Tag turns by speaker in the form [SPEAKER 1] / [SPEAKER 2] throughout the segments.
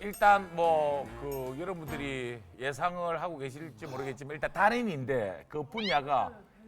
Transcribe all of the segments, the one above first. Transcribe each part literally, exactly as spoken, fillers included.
[SPEAKER 1] 일단 뭐 그 여러분들이 예상을 하고 계실지 모르겠지만 일단 달인인데 그 분야가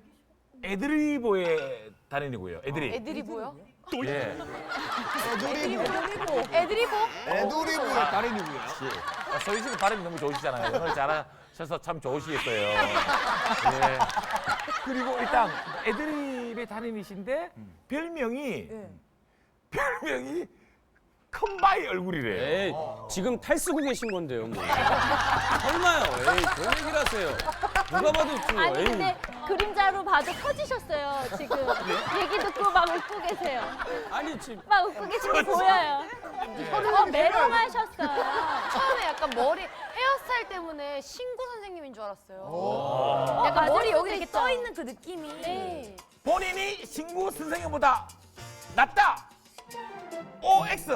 [SPEAKER 1] 애드리브의 달인이고요. 애드립.
[SPEAKER 2] 애드리브요?
[SPEAKER 1] 예.
[SPEAKER 2] 애드리브. 애드리브?
[SPEAKER 3] 애드리브의 달인이고요.
[SPEAKER 1] 아, 서희 씨는 발음이 너무 좋으시잖아요. 오늘 잘하셔서 참 좋으시겠어요. 예. 그리고 일단 애드립의 달인이신데 별명이 별명이 컴바이 얼굴이래요.
[SPEAKER 4] 에이, 지금 탈쓰고 계신 건데요, 뭐. 설마요. 에이, 그런 얘기를 하세요. 누가 봐도 웃죠.
[SPEAKER 5] 아니
[SPEAKER 4] 에이.
[SPEAKER 5] 근데 그림자로 봐도 터지셨어요 지금. 얘기 듣고 막 웃고 계세요.
[SPEAKER 4] 아니, 지금.
[SPEAKER 5] 막 웃고 계시는 거 보여요. 어, 메롱하셨어요.
[SPEAKER 2] 처음에 약간 머리 헤어스타일 때문에 신구 선생님인 줄 알았어요. 약간
[SPEAKER 5] 맞을
[SPEAKER 2] 머리
[SPEAKER 5] 수도
[SPEAKER 2] 여기 이렇게
[SPEAKER 5] 있어.
[SPEAKER 2] 떠 있는 그 느낌이.
[SPEAKER 5] 네.
[SPEAKER 1] 본인이 신구 선생님보다 낫다. 오 엑스.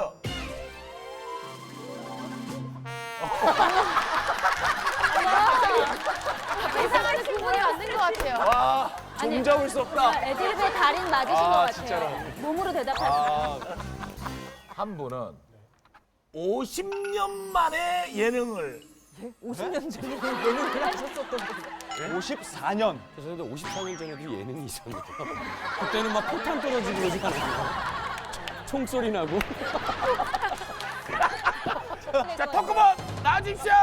[SPEAKER 2] 세상을 구분이 안 된 것 같아요.
[SPEAKER 1] 와.
[SPEAKER 4] 종 잡을 수 없다.
[SPEAKER 5] 애드립의 달인 맞으신
[SPEAKER 4] 아,
[SPEAKER 5] 것 같아요.
[SPEAKER 4] 진짜로.
[SPEAKER 5] 몸으로 대답하시고.
[SPEAKER 1] 한 분은 오십 년 만에 예능을
[SPEAKER 3] 오십사 년.
[SPEAKER 4] 죄송한데 오십사 년 전에도 예능이 있었는데. 그때는 막 포탄 떨어지고 그러지 않았나요? 총소리 나고.
[SPEAKER 1] 자 토크본 나와주십시오.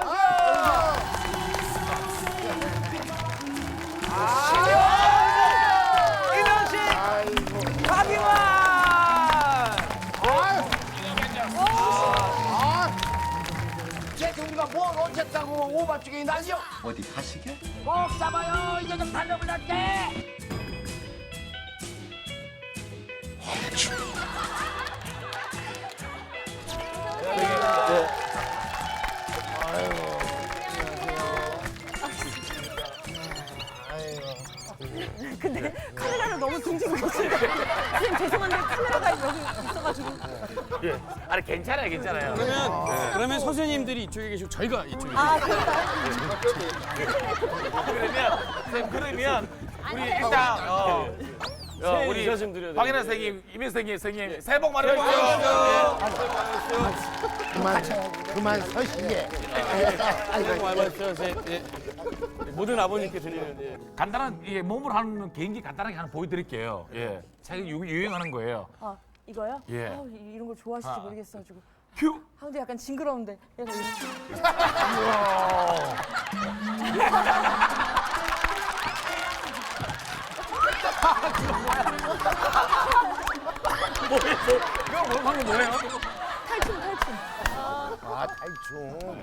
[SPEAKER 1] 이명식, 박이환.
[SPEAKER 6] 쟤 우리가 뭘 어쨌다고 오바쪽에 날려?
[SPEAKER 3] 어디 가시게?
[SPEAKER 6] 꼭 잡아요. 이제 좀 달려볼랄게.
[SPEAKER 7] 근데 카메라를 너무 등지고 계신데 선생님 죄송한데 카메라가 여기 있어가지고
[SPEAKER 1] 예. 아니 괜찮아요, 괜찮아요.
[SPEAKER 4] 그러면, 그러면 선생님들이 이쪽에 계시고 저희가 이쪽에
[SPEAKER 7] 아
[SPEAKER 4] 계시고.
[SPEAKER 7] 그럴까요?
[SPEAKER 1] 그러면 선생님 그러면 우리 일단 어, 어,
[SPEAKER 4] 새해
[SPEAKER 1] 우리
[SPEAKER 4] 인사 좀 드려야
[SPEAKER 1] 박인하
[SPEAKER 4] 되는데.
[SPEAKER 1] 선생님, 이명 선생님, 선생님 새해 복 많이 받으세요.
[SPEAKER 6] 그만 그만 서시게.
[SPEAKER 4] 새해 복 많이 받으세요. 새- 예. 모든 아버님께 드리는 예.
[SPEAKER 1] 간단한 예, 몸으로 하는 개인기 간단하게 하나 보여드릴게요. 예, 최근 유- 유행하는 거예요.
[SPEAKER 7] 아 이거요?
[SPEAKER 1] 예.
[SPEAKER 7] 아, 이- 이런 걸 좋아하실지 모르겠어가지고
[SPEAKER 1] 큐.
[SPEAKER 7] 아 근데 약간 징그러운데 그래서 이렇게.
[SPEAKER 1] 이거 뭐 방금 뭐예요?
[SPEAKER 7] 탈춤 탈춤.
[SPEAKER 6] 아 탈춤.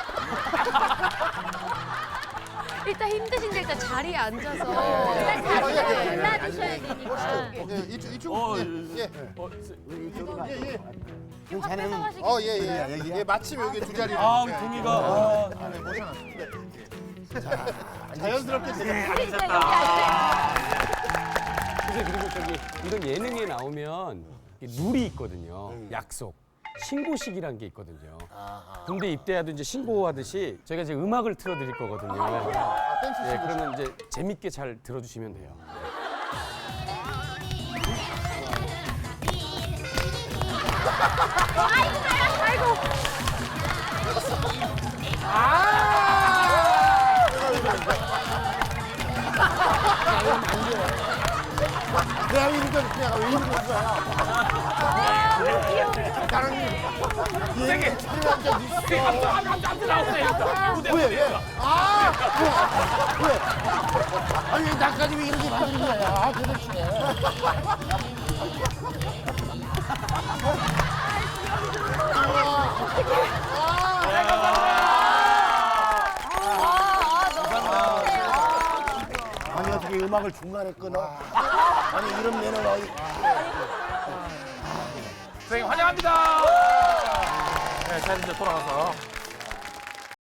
[SPEAKER 2] 일단 힘드신데 일단 자리에 앉아서.
[SPEAKER 5] 일단 자리를 골라주셔야 되니까.
[SPEAKER 3] 예, 이쪽 이쪽.
[SPEAKER 4] 어,
[SPEAKER 3] 예. 예.
[SPEAKER 4] 어, 세-
[SPEAKER 3] 예, 예.
[SPEAKER 6] 괜찮아요.
[SPEAKER 3] 어, 예, 예. 예, 마침 여기 두 자리.
[SPEAKER 4] 아, 우리 동이가. 아,
[SPEAKER 3] 자연스럽게 제가
[SPEAKER 5] 진짜 여기 앉아요.
[SPEAKER 4] 선생님 그리고 저기 이런 예능에 나오면 이게 룰이 있거든요. 약속. 신고식이란 게 있거든요. 군대 입대하도 이제 신고하듯이 저희가 이제 음악을 틀어드릴 거거든요.
[SPEAKER 3] 아, 댄스
[SPEAKER 4] 예, 그러면 이제 재밌게 잘 들어주시면 돼요.
[SPEAKER 6] 내가 이런 거 내가 왜 이런 거야? 나는
[SPEAKER 1] 선생님, 선생님 앞서 앞서 앞서 나오세요. 무대
[SPEAKER 6] 왜
[SPEAKER 1] 무대.
[SPEAKER 6] 왜? 아 왜? 왜? 아니 나까지 왜 이렇게 만드는 거야? 아 도대체. 아니 어떻게 음악을 중간에 끊어? 아니 이런 매너가 어디?
[SPEAKER 1] 선생님 환영합니다. 네, 자 이제 돌아가서